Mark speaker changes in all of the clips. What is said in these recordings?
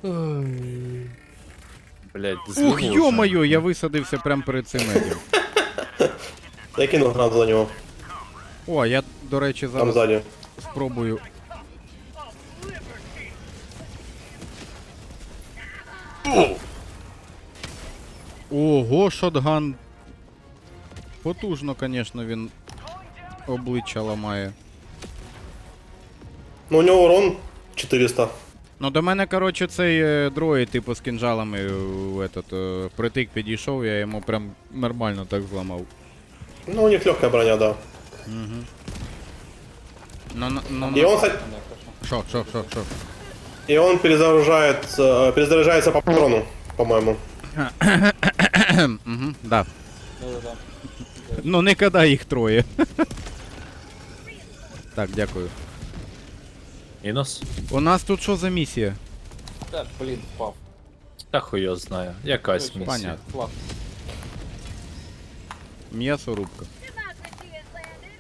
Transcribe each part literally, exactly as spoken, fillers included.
Speaker 1: Блять,
Speaker 2: Ух, ё-моё, я висадився прямо перед цим медіум.
Speaker 3: Я кинув гранату на нього.
Speaker 2: О, я, до речі,
Speaker 3: Там
Speaker 2: зараз
Speaker 3: ззаді.
Speaker 2: спробую. Ого, шотган. Потужно, конечно, він обличчя ламає.
Speaker 3: Ну у нього урон чотириста.
Speaker 2: Ну до мене, коротше, цей е, дроїд, типу, з кінжалами е, в этот, е, притик підійшов, я йому прям нормально так зламав.
Speaker 3: Ну у них легкая броня, да.
Speaker 2: Ну, ну, ну,
Speaker 3: И
Speaker 2: ну.
Speaker 3: он, кстати,
Speaker 2: Шо, шо, шо, шо.
Speaker 3: и он перезаряжает, э, перезаряжается по патрону, по-моему.
Speaker 2: Угу, да.
Speaker 4: Да-да-да.
Speaker 2: Ну не коли їх троє. Так, дякую.
Speaker 1: Мінус?
Speaker 2: У нас тут що за місія?
Speaker 4: Так, блін, впав.
Speaker 1: Та хуй його знає. Якась
Speaker 4: Точно.
Speaker 1: місія.
Speaker 2: Понятно.
Speaker 4: Флаг.
Speaker 2: М'ясорубка.
Speaker 5: Democracy has landed.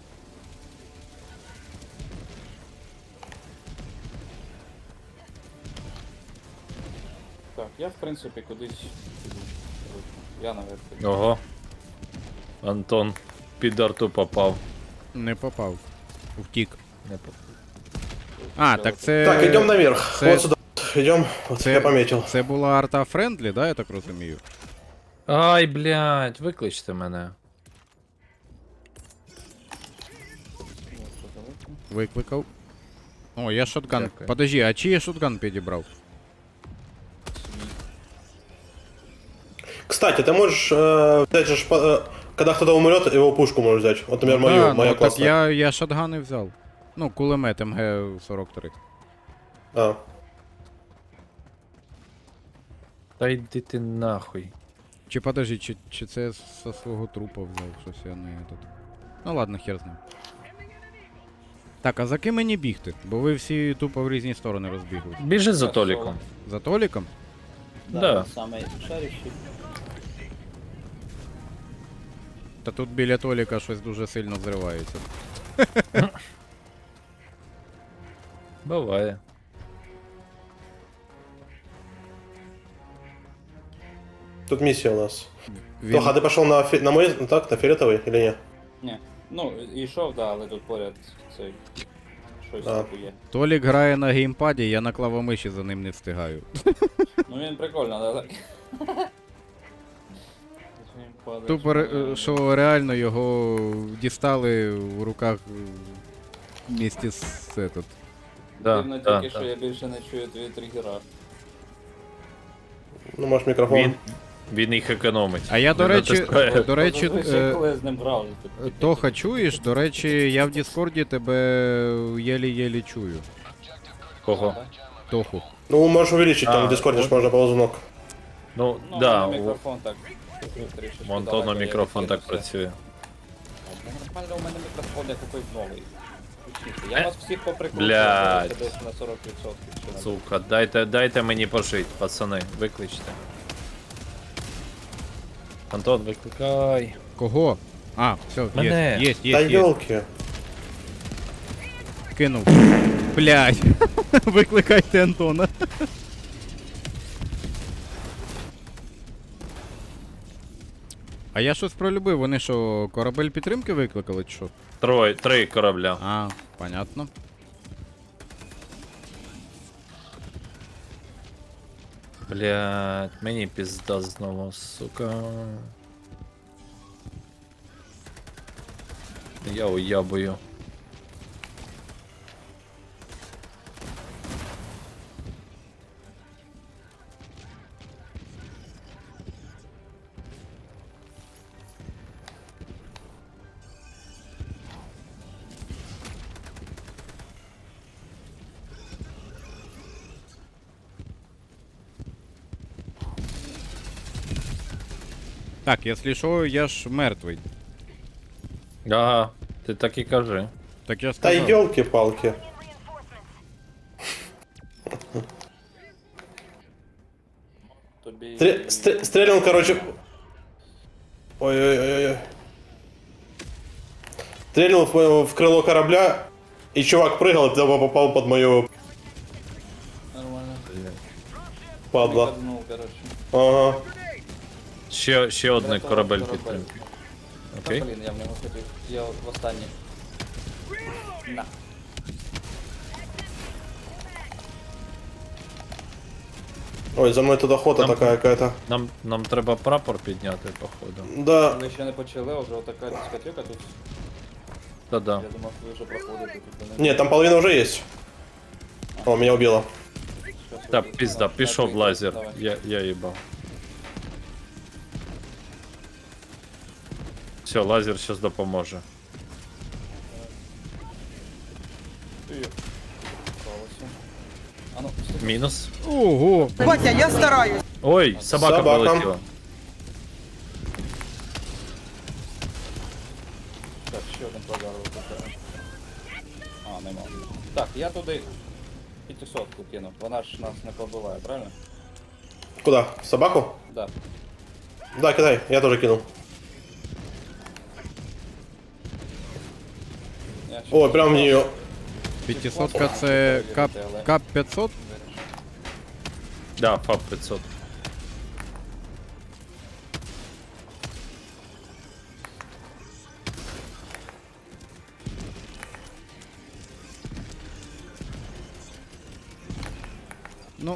Speaker 4: Так, я в принципі кудись піду. Я наверх піду.
Speaker 1: Ого. Антон під арту попав.
Speaker 2: Не попав. Втік.
Speaker 1: Не попав.
Speaker 2: А, так це...
Speaker 3: Так, идем наверх.
Speaker 2: це-
Speaker 3: Вот сюда. Идем. Вот
Speaker 2: Це,
Speaker 3: я пометил.
Speaker 2: це була арта френдлі, да, я так розумію?
Speaker 1: Ай, блядь, викличте мене.
Speaker 2: Викликав. О, я шотган.
Speaker 1: Дякую.
Speaker 2: Подожди, а чий я шотган підібрав?
Speaker 3: Кстати, ты можешь э, взять же, шпа- э, когда кто-то умрет, его пушку можешь взять. Вот, например, мою,
Speaker 2: Да,
Speaker 3: моя
Speaker 2: ну, так
Speaker 3: классная.
Speaker 2: я, я шотгани взяв. Ну, кулемет М Г сорок три.
Speaker 3: А.
Speaker 1: Та йди ти нахуй.
Speaker 2: Чи подожди, чи, чи це я со свого трупа взяв, щось я не тут. Ну ладно, хер з ним. Так, а за ким мені бігти? Бо ви всі тупо в різні сторони розбігли.
Speaker 1: Біжи за Толіком.
Speaker 2: За Толіком?
Speaker 1: Да.
Speaker 4: Саме шарящий.
Speaker 2: Та тут біля Толіка щось дуже сильно взривається.
Speaker 1: Буває.
Speaker 3: Тут миссия у нас.
Speaker 2: Він...
Speaker 3: Тоха, ты пошел на, фи- на мой, ну так, на фиолетовый или нет?
Speaker 4: Ні. Ну, йшов, да, але тут поряд цей. Щось
Speaker 3: А.
Speaker 4: типу є.
Speaker 2: Толік грає на геймпаді, я на клавомиші за ним не встигаю.
Speaker 4: Ну він прикольно, да, так. Він падає,
Speaker 2: Тупо, ре-
Speaker 4: що-
Speaker 2: що реально його дістали в руках вместе з этот.
Speaker 1: Да,
Speaker 4: Дивно
Speaker 1: да,
Speaker 4: тільки, що
Speaker 1: да.
Speaker 4: я більше не чую твої тригера.
Speaker 3: Ну, может, микрофон.
Speaker 1: Він, він їх економить.
Speaker 2: А я, до
Speaker 1: Не
Speaker 2: речі,
Speaker 1: натискає.
Speaker 2: до речі,
Speaker 4: Зазвичай,
Speaker 2: е,
Speaker 4: коли я з ним грав, тут
Speaker 2: Тоха, чуєш? До речі, я в Діскорді тебе єлі-єлі чую.
Speaker 1: Кого?
Speaker 2: Тоху.
Speaker 3: Ну, можешь увеличить,
Speaker 1: А,
Speaker 3: там в дискорде ж
Speaker 1: вот.
Speaker 3: можно ползунок.
Speaker 1: Ну,
Speaker 4: Ну,
Speaker 1: да,
Speaker 4: у мене
Speaker 1: у
Speaker 4: мікрофон так. трішечки
Speaker 1: у Антона
Speaker 4: далеко, я
Speaker 1: мікрофон так
Speaker 4: відкинувся.
Speaker 1: працює.
Speaker 4: Ну, Нормально, у мене мікрофон як якийсь новий. Я вас всіх поприкручую,
Speaker 1: Блядь.
Speaker 4: десь на сорок відсотків. чи на-
Speaker 1: Сука, дайте, дайте мені пожить, пацани, викличте. Антон, викликай.
Speaker 2: Кого? А, все,
Speaker 1: Мене.
Speaker 2: є, є,
Speaker 3: Да
Speaker 2: є, є.
Speaker 3: елки.
Speaker 2: Кинув. Блядь. Викликайте Антона. А я щось пролюбив, вони що, корабель підтримки викликали чи що?
Speaker 1: Трой, три корабля.
Speaker 2: А, понятно.
Speaker 1: Блять, мені пізда знову, сука. Я уябую.
Speaker 2: Так, якщо що, я ж мертвий.
Speaker 1: Ага, ти так і кажи.
Speaker 2: Так я
Speaker 3: Да
Speaker 2: сказав.
Speaker 3: елки-палки.
Speaker 4: Тобі...
Speaker 3: Стре- стре- Стрельнул, короче. Ой-ой-ой. Стрельнул в, в крыло корабля, и чувак прыгал, и тупо попал под мою...
Speaker 4: Нормально.
Speaker 3: Падла.
Speaker 4: Прикладнув, коротше.
Speaker 3: Ага.
Speaker 1: Ще, ще один
Speaker 4: Врятував
Speaker 1: корабель
Speaker 4: корабель.
Speaker 1: підтримки.
Speaker 4: Та,
Speaker 1: Окей.
Speaker 4: блін, я в нього хотів. Я в останній. На.
Speaker 3: Ой, за мной тут охота
Speaker 1: Там-
Speaker 3: такая какая-то.
Speaker 1: Нам, нам треба прапор підняти, походу.
Speaker 3: Да.
Speaker 4: Ми ще не почали, а вже отака дискотека тут.
Speaker 1: Та-да.
Speaker 4: Я думав, ви вже проходите тут. не-
Speaker 3: Нет, там половина уже есть. О, меня убило.
Speaker 4: Щас
Speaker 1: Та
Speaker 4: вийду.
Speaker 1: пізда,
Speaker 4: Давай,
Speaker 1: пішов
Speaker 4: давай,
Speaker 1: лазер.
Speaker 4: давай.
Speaker 1: Я, я їбав. Все, лазер зараз допоможе.
Speaker 4: Ти. Справився. А ну, стій.
Speaker 1: Мінус.
Speaker 2: Ого!
Speaker 6: Батя, я стараюсь.
Speaker 1: Ой, собака
Speaker 3: Собака.
Speaker 1: полетіла.
Speaker 4: Так, ще один подарок тут. А, нема. Так, я туди п'ятисотку кинув. Вона ж нас не побиває, правильно?
Speaker 3: Куда? В собаку?
Speaker 4: Да.
Speaker 3: Да, кидай, я тоже кинул.
Speaker 4: Я ще
Speaker 3: Ой, прям в нее.
Speaker 2: п'ятисотка це кап, кап п'ятсот?
Speaker 1: Да, ФАП п'ятсот.
Speaker 2: Ну.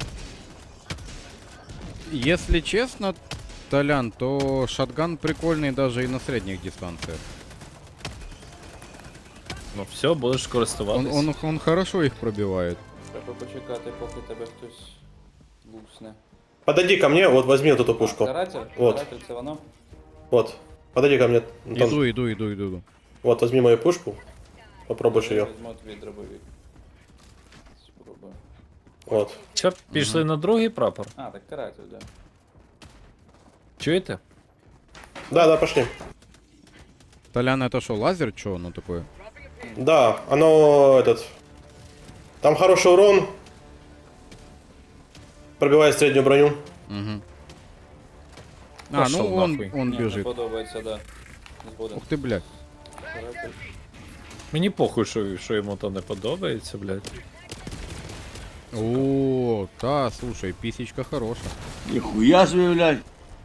Speaker 2: Если честно, Толян, то шотган прикольный даже и на средних дистанциях.
Speaker 1: Ну все, будеш
Speaker 2: Он,
Speaker 1: користуватись.
Speaker 2: он, он хорошо их пробивает.
Speaker 4: Треба почекати, поки тебе хтось лусне.
Speaker 3: Подойди ко мне, вот возьми вот эту пушку.
Speaker 4: Каратель?
Speaker 3: Вот.
Speaker 4: Каратель це воно?
Speaker 3: Вот. Подойди ко мне. Антон.
Speaker 2: Иду, иду, иду, иду. иду.
Speaker 3: Вот, возьми мою пушку. Попробуешь
Speaker 4: Я
Speaker 3: ее.
Speaker 4: візьму твій дробовик. Спробую.
Speaker 3: Вот.
Speaker 1: Що, пішли на другий прапор?
Speaker 4: А, так каратель, да.
Speaker 1: Чуєте?
Speaker 3: Да, да, пошли.
Speaker 2: Толян, это что, лазер? Что оно такое?
Speaker 3: Да, оно этот. Там хороший урон. Пробивает среднюю броню.
Speaker 2: Угу. А,
Speaker 1: Пошел
Speaker 2: ну он,
Speaker 1: нахуй.
Speaker 2: он
Speaker 4: Ні, не
Speaker 2: бежит.
Speaker 4: подобається, да. Не буде.
Speaker 2: Ух ты, блядь.
Speaker 4: Каратель.
Speaker 1: Мені похуй, що, що йому то не подобається, блядь.
Speaker 2: О, та, слушай, писечка хорошая.
Speaker 7: Нихуя себе, блядь.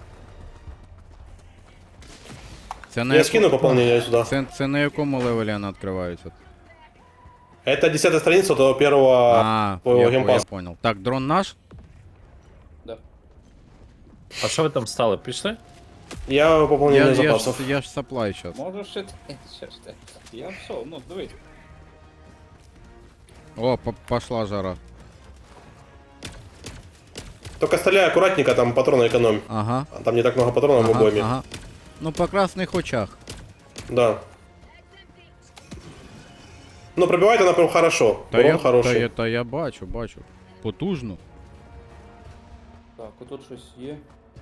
Speaker 2: Це на,
Speaker 3: Я
Speaker 2: яко-
Speaker 3: скину пополнение сюда.
Speaker 2: це, це на якому левелі вона відкривається?
Speaker 3: Это десятая страница до первого
Speaker 2: А,
Speaker 3: по
Speaker 2: я, я
Speaker 3: геймпасу.
Speaker 2: понял. Так, дрон наш?
Speaker 4: Да.
Speaker 1: А що ви там стали? Пішли?
Speaker 3: Я пополнение
Speaker 2: Я, я,
Speaker 3: запасов.
Speaker 2: ж, я ж саплай сейчас.
Speaker 4: Можеш ще... Ще ж ти. Я все, ну, дивись.
Speaker 2: О, по- пошла жара.
Speaker 3: Только стреляй аккуратненько, там патроны экономь.
Speaker 2: Ага.
Speaker 3: Там не так много патронов в
Speaker 2: Ага,
Speaker 3: обойме.
Speaker 2: ага. Ну, по красных очах.
Speaker 3: Да. Ну, пробивает она прям хорошо.
Speaker 2: Та
Speaker 3: Урон
Speaker 2: я, та,
Speaker 3: хороший.
Speaker 2: я, та я бачу, бачу. Потужно.
Speaker 4: Так, отут щось є.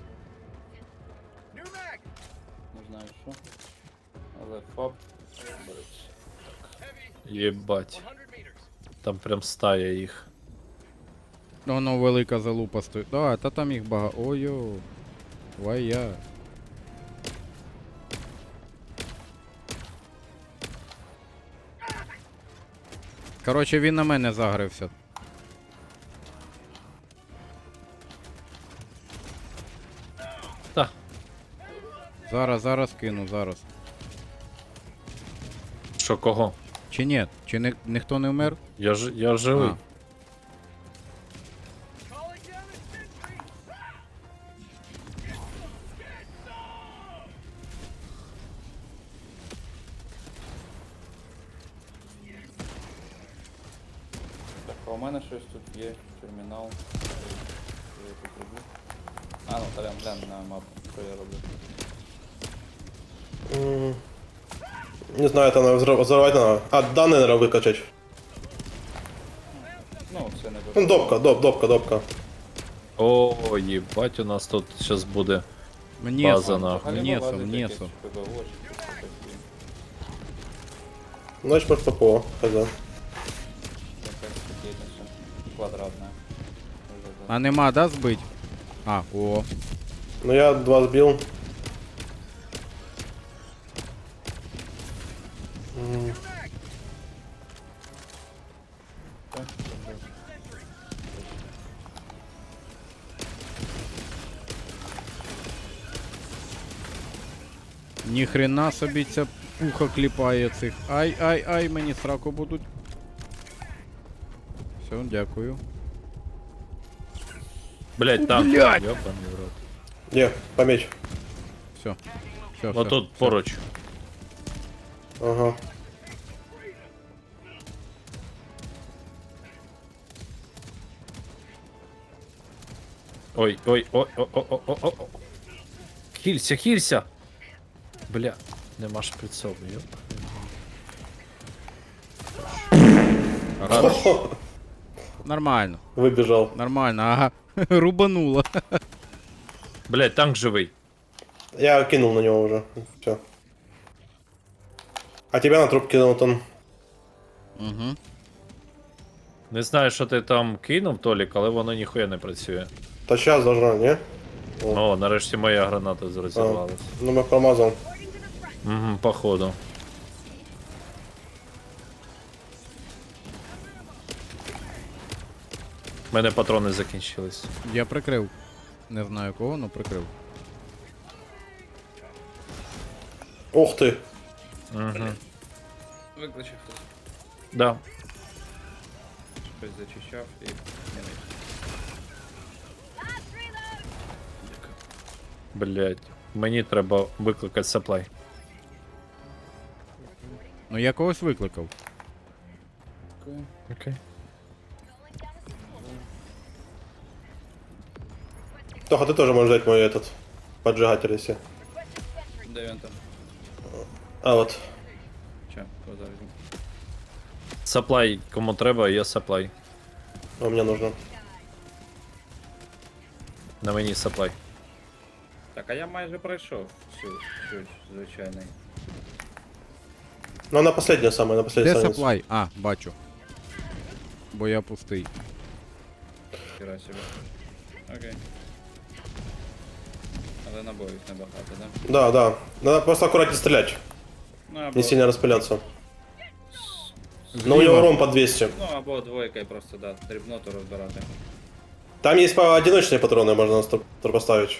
Speaker 4: Не знаю що. Але фаб. береться.
Speaker 1: Єбать. Там прям стая їх.
Speaker 2: Воно велика залупа стоїть. Да, та там їх багато. Ой-йо. Вая. Короче, він на мене загрився.
Speaker 1: Та,
Speaker 2: Зараз, зараз кину, зараз.
Speaker 1: що кого?
Speaker 2: Чи ні? Чи не, ніхто не вмер?
Speaker 1: Я ж я живий.
Speaker 2: А.
Speaker 4: Так, а у мене щось тут є. Термінал. Що я тут роблю? А, ну, Толян, глянь на мапу, що я роблю.
Speaker 3: М, Не знаю, это надо взрыв- взорвать надо. А, данные надо выкачать.
Speaker 4: Ну, це не
Speaker 3: Ну, допка, доп, допка, допка.
Speaker 1: О, єбать, у нас тут зараз буде.
Speaker 2: Мнесо,
Speaker 1: База, нахуй.
Speaker 2: мнесо, мнесо.
Speaker 3: Значит, может, ППО. Хз.
Speaker 4: Квадратная.
Speaker 2: А нема, да, збить? А, о.
Speaker 3: Ну, я два сбил. М,
Speaker 2: Ніхрена собі ця пуха кліпає цих. Ай, ай, ай, мені сраку будуть. Все, дякую.
Speaker 1: Блять, там.
Speaker 2: Блядь!
Speaker 1: Ёбаний в рот.
Speaker 3: Не, помечь.
Speaker 2: Все. Все,
Speaker 1: Вот тут поруч.
Speaker 3: Ага.
Speaker 1: Ой, ой, ой, ой, ой, ой, ой, ой. Хілься, хілься! Бля, нема шприцов, ёп.
Speaker 3: Хо-хо.
Speaker 2: Нормально,
Speaker 3: Выбежал.
Speaker 2: нормально, ага. Рубануло.
Speaker 1: Блять, танк живий.
Speaker 3: Я кинул на него уже. Все. А тебя на труп кинул, он.
Speaker 2: Угу.
Speaker 1: Не знаю, що ти там кинув, Толік, але воно ніхуя не працює.
Speaker 3: Да сейчас должна, не?
Speaker 1: О, нарешті моя граната зрозірвалась.
Speaker 3: Ну, мы промазал.
Speaker 1: Угу, походу. У мене патрони закінчились.
Speaker 2: Я прикрив. Не знаю кого, но прикрив.
Speaker 3: Ух ты.
Speaker 1: Угу.
Speaker 4: Викличе хтось.
Speaker 1: Да.
Speaker 4: Щось зачищав і не вийшло.
Speaker 1: Блять. Мені треба викликати саплай.
Speaker 2: Ну я когось викликав.
Speaker 1: Окей.
Speaker 3: Тоха, ты тоже можешь взять мой этот поджигатель, если.
Speaker 4: Де він там?
Speaker 3: А вот.
Speaker 4: Че, кого візьму?
Speaker 1: Саплай, кому треба, є саплай.
Speaker 3: А мне нужно.
Speaker 1: На мені саплай.
Speaker 4: Так, а я майже пройшов всю, всю звичайний.
Speaker 3: Ну, она последняя самая, на последней
Speaker 2: Де
Speaker 3: странице.
Speaker 2: саплай? А, бачу. Бо я пустий.
Speaker 4: Хіра себе. Окей. Але набоїв небагато, да?
Speaker 3: Да, да. Надо просто аккуратнее стрелять.
Speaker 4: Ну, або,
Speaker 3: Не сильно распыляться. Но у него
Speaker 2: Зліва.
Speaker 3: урон по двести.
Speaker 4: ну, або двойкою просто, да, дрібноту розбирати.
Speaker 3: Там есть по одиночные патроны, можно стр- стр- поставить.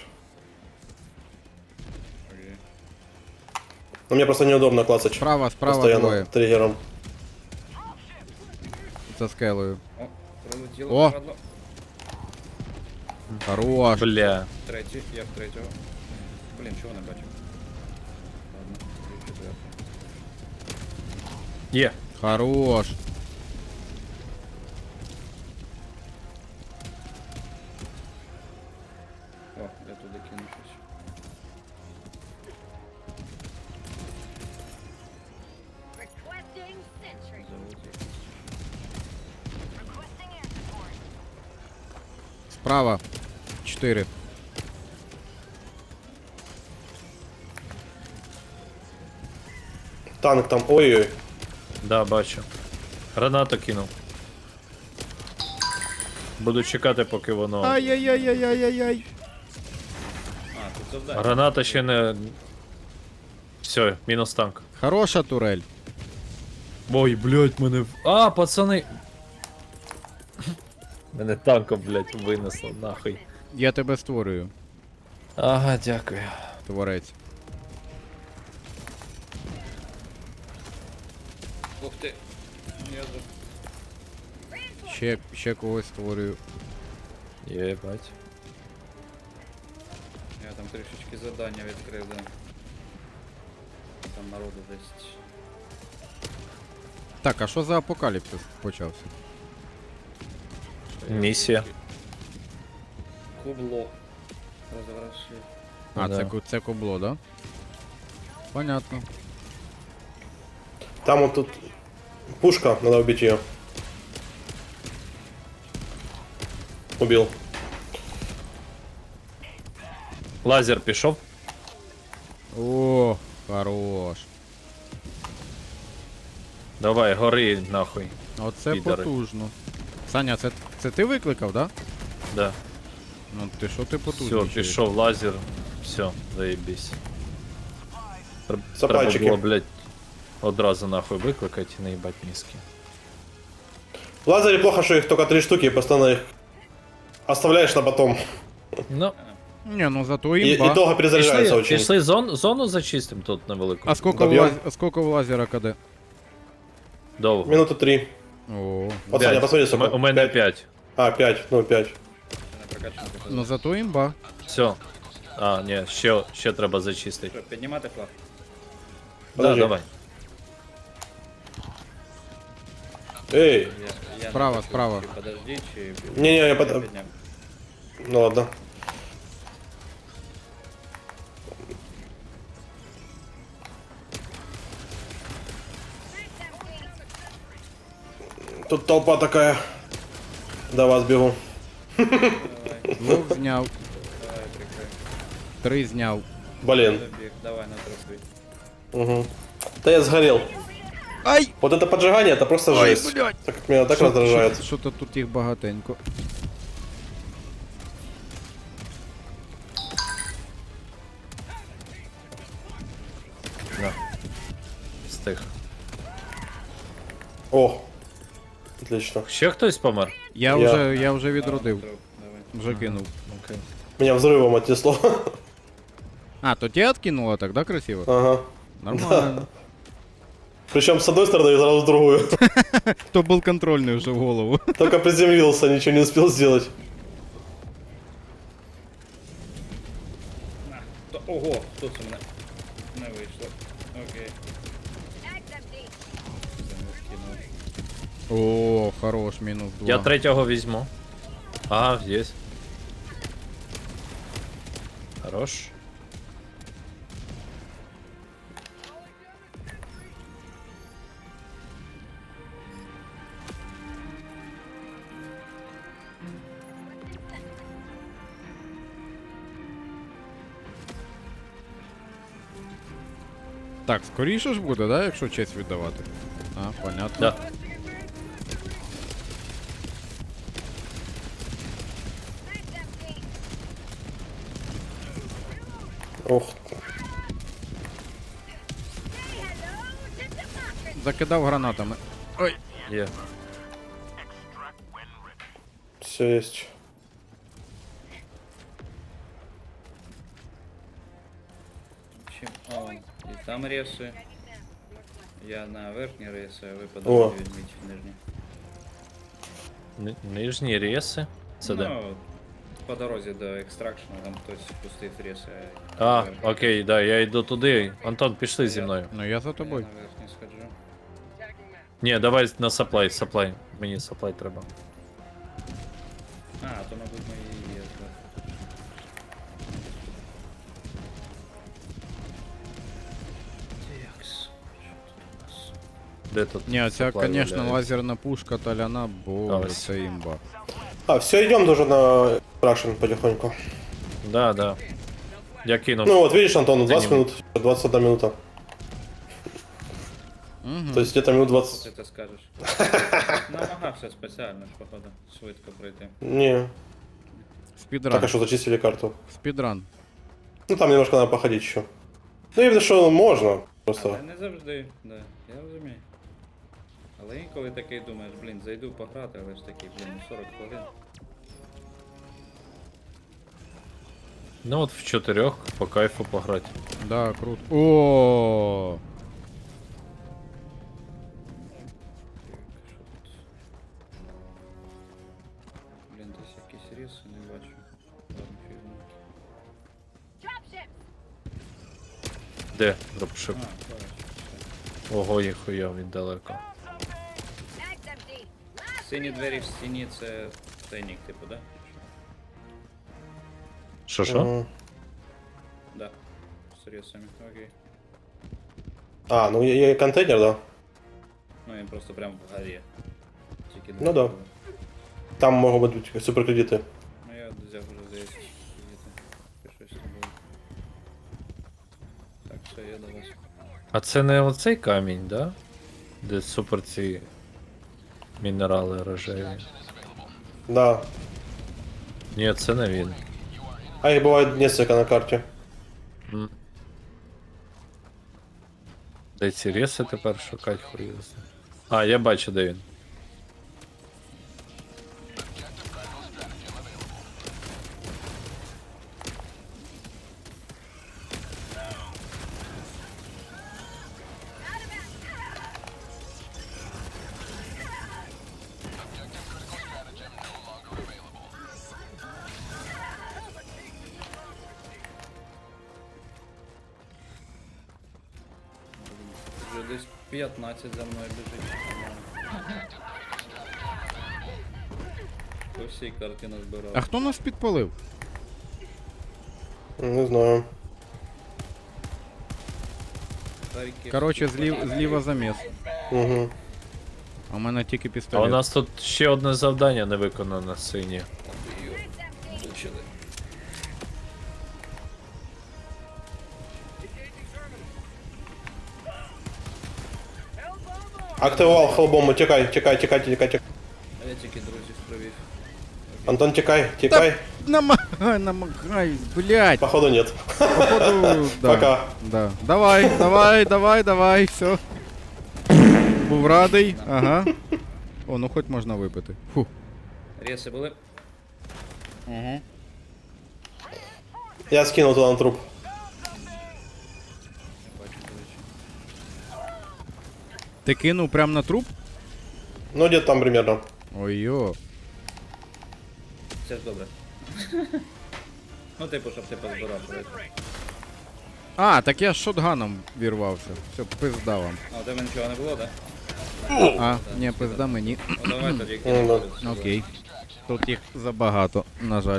Speaker 4: Окей.
Speaker 3: Но мне просто неудобно клацать.
Speaker 2: Справа, справа
Speaker 3: Постоянно
Speaker 2: двоє.
Speaker 3: триггером.
Speaker 2: За скелею.
Speaker 4: О, прилетіло.
Speaker 2: О!
Speaker 4: Падло.
Speaker 2: Хорош.
Speaker 1: Бля.
Speaker 4: Третій, я в третього. Блін, чого не бачив? Ладно, четвертий.
Speaker 1: Є.
Speaker 2: Хорош.
Speaker 4: О, я туди кину щось.
Speaker 5: Requesting sentry.
Speaker 4: Завод є.
Speaker 5: Requesting air support.
Speaker 2: Справа. Чотири.
Speaker 3: Танк там, ой-ой.
Speaker 1: Да, бачу. Гранату кинув. Буду чекати, поки воно.
Speaker 2: Ай-яй-яй-яй-яй-яй.
Speaker 4: А, тут завдання.
Speaker 1: Граната ще не. Все, мінус танк.
Speaker 2: Хороша турель.
Speaker 1: Ой, блядь, мене. в- А, пацани. Мене танком, блядь, винесло, нахуй.
Speaker 2: Я тебе створюю,
Speaker 1: Ага, дякую.
Speaker 2: творець.
Speaker 4: Ух ти. Я за...
Speaker 2: Ще, ще когось створюю.
Speaker 1: Єбать.
Speaker 4: Я там трішечки завдання відкрив, да. Там народу десь.
Speaker 2: Так, а що за апокаліпсис почався?
Speaker 1: Місія.
Speaker 4: Кубло. Розворошив.
Speaker 2: А,
Speaker 1: Да.
Speaker 2: це, ку- це кубло, да? Понятно.
Speaker 3: Там вот тут пушка, надо убить ее. Убил.
Speaker 1: Лазер пішов.
Speaker 2: О, хорош.
Speaker 1: Давай, гори нахуй.
Speaker 2: Оце
Speaker 1: Підари.
Speaker 2: потужно. Саня, це, це ти викликав, да?
Speaker 1: Да.
Speaker 2: Ну ти що ти потужний?
Speaker 1: Все, пішов лазер. Все, заєбісь. Тр- Треба
Speaker 3: Сапайчики.
Speaker 1: було, блядь, одразу нахуй викликати і наїбать мізки.
Speaker 3: В лазере плохо, что их только три штуки, и постоянно их оставляешь на потом.
Speaker 1: Ну,
Speaker 2: Не, ну зато
Speaker 3: И, и
Speaker 2: имба.
Speaker 3: долго перезаряжается
Speaker 1: Пішли,
Speaker 3: очень.
Speaker 1: пішли зон, зону зачистим тут невелику.
Speaker 2: А сколько,
Speaker 3: Добьем.
Speaker 2: в лаз... а сколько в лазера КД?
Speaker 1: Довго.
Speaker 3: Минуты три.
Speaker 2: О,
Speaker 3: Вот, Саня, посмотри,
Speaker 1: У
Speaker 3: сколько.
Speaker 1: м- У мене
Speaker 3: Пять.
Speaker 1: пять.
Speaker 3: А, пять, ну пять.
Speaker 4: Не прокачано.
Speaker 2: ну зато имба.
Speaker 1: Все. А, ні, ще, ще треба зачистити.
Speaker 4: Що, піднімати флаг?
Speaker 1: Да,
Speaker 3: Подожди.
Speaker 1: давай.
Speaker 3: Эй,
Speaker 4: Я, я
Speaker 2: Справа,
Speaker 4: не
Speaker 2: справа.
Speaker 4: Чи подожди, чи...
Speaker 3: не-не, я под...
Speaker 4: підняв.
Speaker 3: Ну ладно. Тут толпа такая. До вас бегу.
Speaker 2: Двох зняв.
Speaker 4: Давай, прикрий.
Speaker 2: Три зняв.
Speaker 3: Блин.
Speaker 4: Забіг, давай на трупи.
Speaker 3: Угу. Да я сгорел.
Speaker 2: Ай!
Speaker 3: Вот это поджигание, это просто
Speaker 2: Ой,
Speaker 3: жесть.
Speaker 2: блядь.
Speaker 3: Так как меня так раздражает.
Speaker 2: Що-то тут їх багатенько.
Speaker 1: На. Стих.
Speaker 3: О, отлично.
Speaker 1: Ще хтось помер?
Speaker 2: Я,
Speaker 3: Я-
Speaker 2: вже, я вже відродив.
Speaker 4: Труп, давай.
Speaker 2: Вже кинув.
Speaker 1: Окей.
Speaker 3: Меня взрывом отнесло.
Speaker 2: А, то тебя откинуло так, да, красиво?
Speaker 3: Ага.
Speaker 2: Нормально.
Speaker 3: Причем с одной стороны и сразу с другую.
Speaker 2: То был контрольный уже в голову.
Speaker 3: Только приземлился, ничего не успел сделать.
Speaker 4: На, то, ого, хто це мене? Не вийшло. Окей.
Speaker 5: Mag's empty.
Speaker 4: Кинув.
Speaker 2: О, хорош, минус два.
Speaker 1: Я третього візьму. Ага, здесь. Хорош.
Speaker 2: Так, скоріше ж буде, да, якщо честь віддавати? А, понятно.
Speaker 1: Да.
Speaker 5: Mag's empty.
Speaker 3: Ух.
Speaker 5: Say hello to democracy.
Speaker 2: Закидав гранатами. Ой.
Speaker 1: Є.
Speaker 3: Все есть.
Speaker 4: Чим? О, і там реси. Я на верхні реси, а ви
Speaker 3: О.
Speaker 4: подожди візьміть нижні.
Speaker 1: Ни- Нижні реси. Це де?
Speaker 4: Ну, по дорозі до екстракшну, там хтось пустив реси.
Speaker 1: А,
Speaker 4: верхні.
Speaker 1: окей, да, я йду туди. Антон, пішли зі мною.
Speaker 2: Ну я за
Speaker 4: Я
Speaker 2: тобою.
Speaker 4: на верхні сходжу.
Speaker 1: Ні, давай на саплай, саплай. Мені саплай треба.
Speaker 4: А, то мабуть ми і є. Так. Текс. Що тут у нас?
Speaker 1: Де тут?
Speaker 2: Ні, ця,
Speaker 1: supply
Speaker 2: конечно,
Speaker 1: валяється?
Speaker 2: лазерна пушка Толяна, боже,
Speaker 1: Ось.
Speaker 2: це імба.
Speaker 3: А, все, идем тоже на Рашен потихоньку.
Speaker 1: Да, да. Я кинув.
Speaker 3: Ну вот, видишь, Антон, двадцать
Speaker 1: не
Speaker 3: минут, двадцать одна минута.
Speaker 2: Угу.
Speaker 3: То есть где-то минут
Speaker 4: Ти
Speaker 3: двадцать.
Speaker 4: це скажеш. Намагався спеціально ж, походу, швидко пройти.
Speaker 3: Не.
Speaker 2: Спідран.
Speaker 3: Так, а что, зачистили карту?
Speaker 2: Спідран.
Speaker 3: Ну там немножко надо походить еще. Ну именно что можно. Просто.
Speaker 4: Але не завжди, да, я розумію. Але інколи такий думаєш, блін, зайду пограти, але ж такий, блін, сорок хвилин.
Speaker 1: Ну от в чотирьох по кайфу пограти.
Speaker 2: Да, круто. О,
Speaker 4: Блін, десь якісь ріси не бачу. Ладно, фігня.
Speaker 5: Dropships.
Speaker 1: Де дропшип?
Speaker 4: А, бачу. все.
Speaker 1: Ого, їхуя, він далеко.
Speaker 5: Mag's empty. Last
Speaker 4: Сині двері в стіні це тайник, типу, да?
Speaker 1: Що що?
Speaker 3: Мгм.
Speaker 4: Да. З рісами, окей.
Speaker 3: А, ну и, и контейнер, да.
Speaker 4: Ну він просто прям в горі. Тільки
Speaker 3: Ну да.
Speaker 4: були.
Speaker 3: Там могут быть суперкредиты.
Speaker 4: Ну я взяв вже здається. Кредити. Пішов з тобою. Так, все, я до вас.
Speaker 1: А це не оцей камінь, да? Де супер ці мінерали рожеві.
Speaker 3: Да.
Speaker 1: Ні, це не він.
Speaker 3: А их бывает несколько на карте.
Speaker 1: М. Де ці реси тепер шукать хуй його знає. А, я бачу, де він.
Speaker 4: десь п'ятнадцять за мною біжить. По всій карті назбирав.
Speaker 2: А хто нас підпалив?
Speaker 3: Не знаю.
Speaker 4: Харків.
Speaker 2: Коротше, злів, зліва заміс.
Speaker 3: Угу.
Speaker 2: А у мене тільки
Speaker 1: А у
Speaker 2: пістолет.
Speaker 1: нас тут ще одне завдання не виконано сині.
Speaker 4: Влучили.
Speaker 3: Активував хелбому, тікай, тікай, тікай, тікай, тікай.
Speaker 4: А я тільки друзів привів.
Speaker 3: Антон, тікай, тікай.
Speaker 2: Намагай, намагай, блядь.
Speaker 3: Походу нет.
Speaker 2: Походу, да.
Speaker 3: Пока.
Speaker 2: Да. Давай, давай, давай, давай, все. Був радий, ага. О, ну хоч можна випити. Фу.
Speaker 4: Реси були.
Speaker 2: Угу.
Speaker 3: Я скинул туда на труп.
Speaker 4: Не бачу, до речі.
Speaker 2: Ти кинув прям на труп?
Speaker 3: Ну, где-то там примерно.
Speaker 2: Ой-йо.
Speaker 4: Це ж добре. Ну, типу, щоб ти позбирав. правильно?
Speaker 2: А, так я з шотганом вірвався. Все, пизда вам.
Speaker 4: А у тебе нічого не було, так?
Speaker 2: А, ні, пизда мені.
Speaker 4: Ну давай тоді
Speaker 3: Ну,
Speaker 4: кинемо.
Speaker 3: да.
Speaker 2: Окей. Тут їх забагато, на жаль.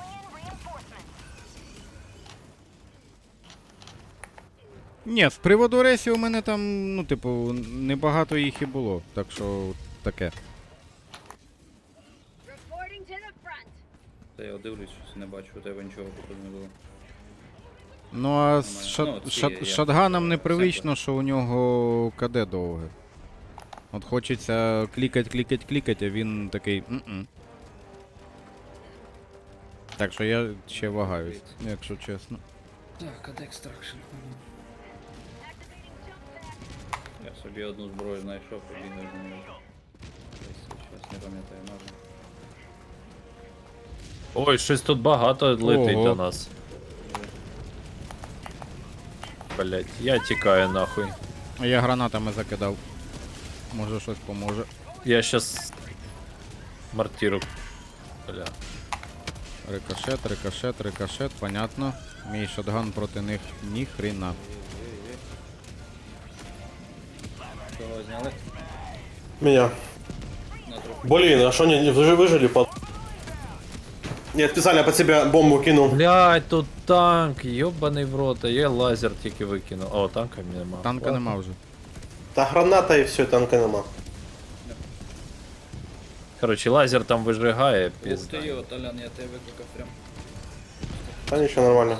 Speaker 2: Ні, з приводу рейсів у мене там, ну, типу, небагато їх і було. Так що таке.
Speaker 5: Reporting to the front.
Speaker 4: Та я дивлюсь, щось не бачу, у тебе нічого походу не було.
Speaker 2: Ну а з
Speaker 4: Нормально.
Speaker 2: шат,
Speaker 4: Ну, ці
Speaker 2: шат,
Speaker 4: я-
Speaker 2: шатганом
Speaker 4: е,
Speaker 2: непривично, що у нього КД довге. От хочеться клікать, клікать, клікать, а він такий. М-м. Так що я ще вагаюсь, якщо чесно.
Speaker 4: Так, а екстракшн.
Speaker 5: Activating jump pad.
Speaker 4: Я собі одну зброю знайшов, побігаю з нею. Десь щось не пам'ятаю назву.
Speaker 1: Ой, щось тут багато летить
Speaker 2: Ого.
Speaker 1: до нас. Блять, я тікаю нахуй.
Speaker 2: А я гранатами закидав. Може щось поможе.
Speaker 1: Я щас мортиру. Бля.
Speaker 2: Рикошет, рикошет, рикошет, понятно. Мій шотган проти них ні хрена.
Speaker 4: Кого зняли?
Speaker 3: Меня.
Speaker 4: На труп.
Speaker 3: Блин, а что они не выжи- выжили под... Я специально под себя бомбу кинул.
Speaker 1: Блять, тут танк, йобаний в рот, а я лазер тільки викинув. О, танка нема.
Speaker 2: Танка нема вже.
Speaker 3: Та граната и все, танка нема.
Speaker 1: Короче, лазер там вижигає,
Speaker 4: Ух ти
Speaker 1: пізда.
Speaker 4: йо, Толян, я тебе викликав прям.
Speaker 3: Да ничего, нормально.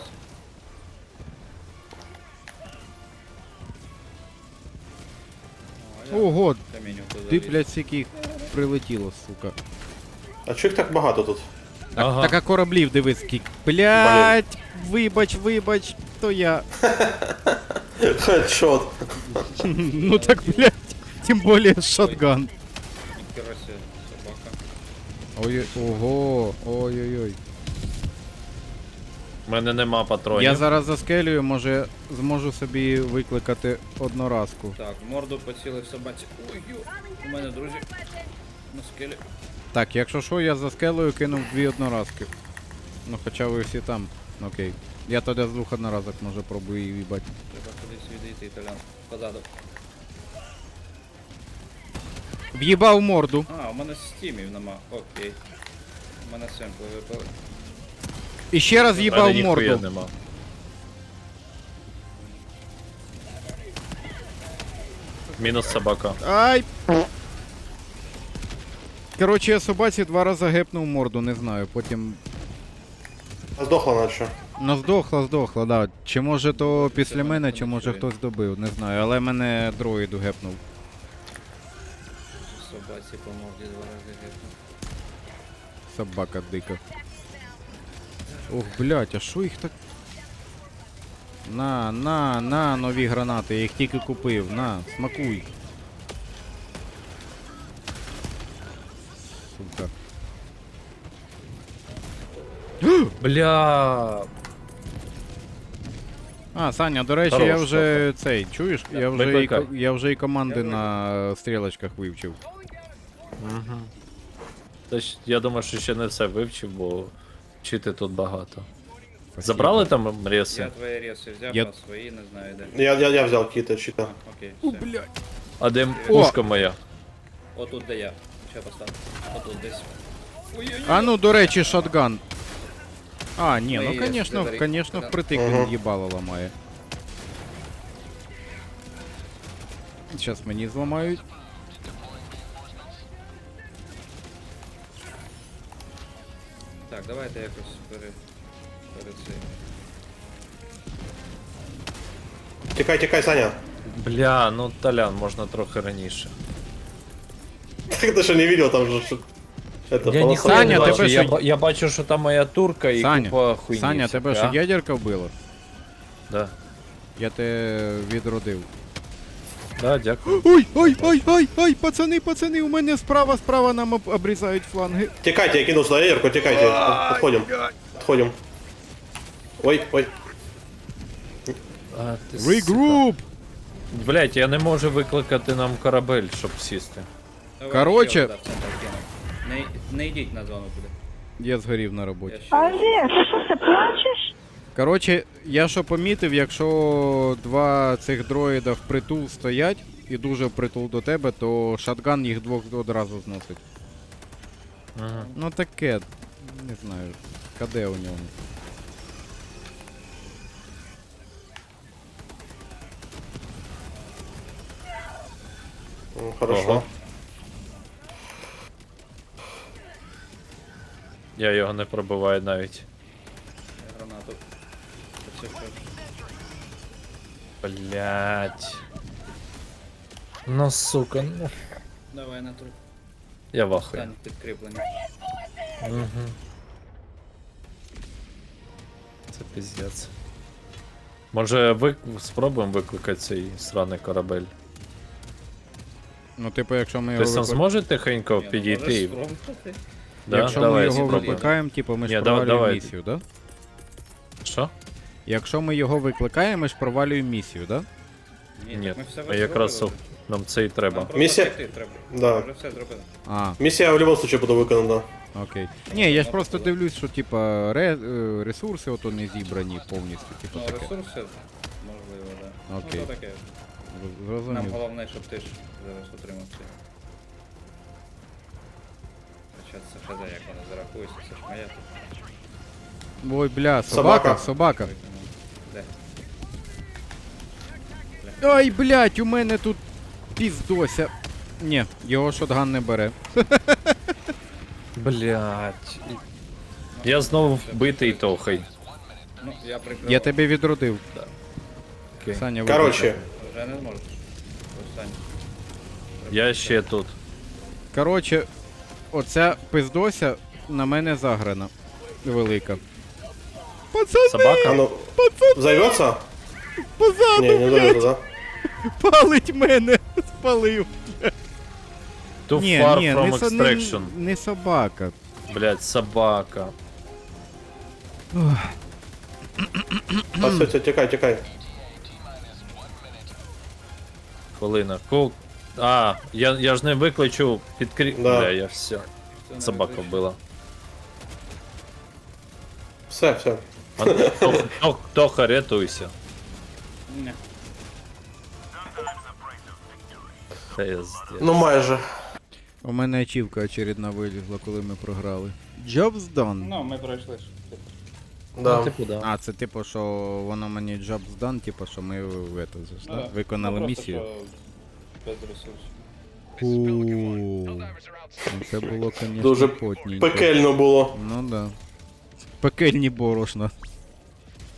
Speaker 4: О, а я
Speaker 2: Ого,
Speaker 4: камінь туди
Speaker 2: ти,
Speaker 4: заліз.
Speaker 2: блядь, скільки їх прилетіло, сука.
Speaker 3: А чё их так багато тут?
Speaker 2: Так,
Speaker 1: Ага.
Speaker 2: так а кораблів дивись скільки. Блядь, вибач, вибач, то я.
Speaker 3: Хедшот.
Speaker 2: Ну так, блядь, тим более шотган.
Speaker 4: Ніхера себе, собака.
Speaker 2: Ой, ого, ой-ой-ой.
Speaker 1: У мене нема патронів.
Speaker 2: Я зараз заскелюю, може зможу собі викликати одноразку.
Speaker 4: Так, в морду поцілив собаці. Ой, йо, у мене друзі на скелі.
Speaker 2: Так, якщо що, я за скелею кинув дві одноразки. Ну хоча ви всі там. Окей. Я тоді з двох одноразок може пробую її їбать.
Speaker 4: Треба кудись відійти, Толян. Позаду.
Speaker 2: В'їбав морду.
Speaker 4: А, у мене стімів нема. Окей. У мене семпли випали.
Speaker 2: І ще раз
Speaker 1: У мене
Speaker 2: в'їбав
Speaker 1: ніхуя
Speaker 2: морду.
Speaker 1: нема. Мінус собака.
Speaker 2: Ай! Коротше, я собаці два рази гепнув морду, не знаю. Потім.
Speaker 3: Сдохла наче.
Speaker 2: Ну здохла, здохла, да. Чи може то після мене, чи може хтось добив, не знаю. Але мене дроїду гепнув.
Speaker 4: Собаці по морді два рази гепнув.
Speaker 2: Собака дика. Ох, блять, а що їх так. На, на, на, нові гранати, я їх тільки купив, на, смакуй. Сука.
Speaker 1: Бля.
Speaker 2: А, Саня, до речі,
Speaker 1: Хорош,
Speaker 2: я вже цей, чуєш? Я вже, і,
Speaker 1: викликай.
Speaker 2: ко- я вже і команди на стрілочках вивчив.
Speaker 1: Угу. Та ж я думаю, що ще не все вивчив, бо вчити тут багато.
Speaker 2: Спасибо.
Speaker 1: Забрали там
Speaker 4: Я
Speaker 1: реси?
Speaker 4: твої реси взяв,
Speaker 2: Я-
Speaker 4: а свої не знаю де.
Speaker 3: Я, я, я взял какие-то
Speaker 4: А,
Speaker 3: щита.
Speaker 4: окей,
Speaker 2: О,
Speaker 4: все.
Speaker 2: блядь.
Speaker 1: А де пушка моя?
Speaker 4: Отут де я. Ще поставлю. Отут десь. Ой-ой-ой.
Speaker 2: А ну, до речі, шотган. А, ні,
Speaker 4: Ми
Speaker 2: ну
Speaker 4: є,
Speaker 2: конечно,
Speaker 4: Фредерік.
Speaker 2: конечно,
Speaker 4: Да.
Speaker 2: впритик
Speaker 3: Ага.
Speaker 2: він їбало ламає. Зараз мені зламають.
Speaker 4: Так, давайте якось пере... перед цим.
Speaker 3: Тикай, тикай, Саня.
Speaker 1: Бля, ну Толян, можна трохи раніше.
Speaker 3: Так ты что не видел, там же... что- Это,
Speaker 1: Я
Speaker 3: полоса.
Speaker 1: ніхуя
Speaker 2: Саня,
Speaker 1: не бачу,
Speaker 2: тебе
Speaker 1: я,
Speaker 2: що-
Speaker 1: ба- я бачу, що там моя турка і
Speaker 2: Саня,
Speaker 1: купа хуйні.
Speaker 2: Саня, тебе
Speaker 1: всякої,
Speaker 2: що
Speaker 1: а?
Speaker 2: ядерка вбила?
Speaker 1: Да.
Speaker 2: Я тебе відродив.
Speaker 1: Да, дякую.
Speaker 2: Ой, ой, ой, ой, ой, пацани, пацани, у мене справа, справа нам об- обрізають фланги.
Speaker 3: Тикайте, я кинул сюда ядерку, тикайте. Отходим. Отходим. Ой, ой.
Speaker 1: А, ти сука.
Speaker 2: Регруп!
Speaker 1: Блять, я не можу викликати нам корабель, щоб сісти.
Speaker 4: Давай,
Speaker 2: Короче-
Speaker 4: ще, да, в центр кину. Не, не йдіть на зону туди.
Speaker 2: Я згорів на роботі.
Speaker 4: Я ще...
Speaker 6: Олег, ти що, ти плачеш?
Speaker 2: Коротше, я що помітив, якщо два цих дроїда впритул стоять і дуже впритул до тебе, то шатган їх двох одразу зносить.
Speaker 1: Ага.
Speaker 2: Ну таке, не знаю, КД у ньому.
Speaker 3: Ну, хорошо.
Speaker 1: Ого. Я його не пробиваю навіть.
Speaker 4: Гранату. Це все.
Speaker 1: Блять. Ну сука, ну.
Speaker 4: Давай на труп.
Speaker 1: Я вахую.
Speaker 4: Стань підкріплення.
Speaker 1: Угу. Це піздець. Може ви спробуємо викликати цей сраний корабель?
Speaker 2: Ну, типу, якщо ми
Speaker 1: Ти
Speaker 2: його
Speaker 1: сам
Speaker 2: викли-
Speaker 1: зможе тихенько
Speaker 4: Ні, ну,
Speaker 1: підійти?
Speaker 4: можеш
Speaker 1: і-
Speaker 4: спробувати.
Speaker 1: Да?
Speaker 2: Якщо
Speaker 1: Давай,
Speaker 2: ми його
Speaker 1: спробуємо.
Speaker 2: викликаємо, типу, ми ж
Speaker 1: Ні, да-
Speaker 2: провалюємо
Speaker 1: давай.
Speaker 2: місію, да?
Speaker 1: Що?
Speaker 2: Якщо ми його викликаємо, ми ж провалюємо місію, да?
Speaker 4: Ні,
Speaker 1: Ні,
Speaker 4: так ми все
Speaker 1: а якраз
Speaker 4: зробили.
Speaker 1: нам це і треба.
Speaker 4: Нам просто
Speaker 3: Місія-
Speaker 4: втекти треба.
Speaker 3: Да.
Speaker 4: Ми вже все зробили.
Speaker 2: А,
Speaker 3: Миссия в любом случае буду выполнена.
Speaker 2: окей. Ні, я ж просто дивлюсь, що типа ре, е, ресурси ото не зібрані повністю, типу
Speaker 4: Ну,
Speaker 2: таке.
Speaker 4: ресурси, можливо, да.
Speaker 2: Окей.
Speaker 4: Ну, то таке.
Speaker 2: Зр-
Speaker 4: Нам
Speaker 2: Зрозумів.
Speaker 4: головне, щоб ти ж зараз отримав це. Хоча це хз, як воно зарахується, це ж моя тут.
Speaker 2: Ой, бля, собака,
Speaker 3: Собака.
Speaker 2: собака.
Speaker 4: Де?
Speaker 2: Ой, блядь, у мене тут піздося. Ні, його шотган не бере.
Speaker 1: Блять. Я знову вбитий тохай.
Speaker 4: Ну, я прикрив.
Speaker 2: Я тебе відродив.
Speaker 1: Окей.
Speaker 2: Саня,
Speaker 3: Короче,
Speaker 2: вибачте.
Speaker 4: Вже не зможеш. Остань.
Speaker 1: Я ще тут.
Speaker 2: Короче, оця пиздося на мене заграна. Велика. Пацани,
Speaker 3: а
Speaker 1: Собака?
Speaker 3: ну, взорвется?
Speaker 2: позаду,
Speaker 3: Не, не взорвется, да?
Speaker 2: палить мене. Спалив.
Speaker 1: Too
Speaker 2: Ні,
Speaker 1: far
Speaker 2: ні,
Speaker 1: from
Speaker 2: не, со- не,
Speaker 1: extraction.
Speaker 2: не собака.
Speaker 1: Блять, собака.
Speaker 3: А, все, все, тикай, тикай.
Speaker 1: Хвилина. Кул. А, я, я ж не викличу підкрі...
Speaker 3: Да.
Speaker 1: Бля, я все.
Speaker 4: Це не
Speaker 1: Собака
Speaker 4: виключно.
Speaker 1: вбила.
Speaker 3: Все, все.
Speaker 1: А, Тох- Тох- Тоха, рятуйся.
Speaker 4: Ні.
Speaker 1: Пиздец.
Speaker 3: Ну, майже.
Speaker 2: У мене ачівка очередна вилізла, коли ми програли. Jobs done.
Speaker 4: Ну, ми пройшли ж.
Speaker 3: Да.
Speaker 1: Типу, да.
Speaker 2: А, це типу, що воно мені jobs done, типу, що ми в это, же ж,
Speaker 4: Ну,
Speaker 2: да?
Speaker 4: да.
Speaker 2: Виконали
Speaker 4: Ну, просто,
Speaker 2: місію.
Speaker 4: що без ресурсів.
Speaker 2: Фу. Ну, це було, звісно,
Speaker 3: Дуже
Speaker 2: потненько.
Speaker 3: Пекельно було.
Speaker 2: Ну да. Пекельні борошна.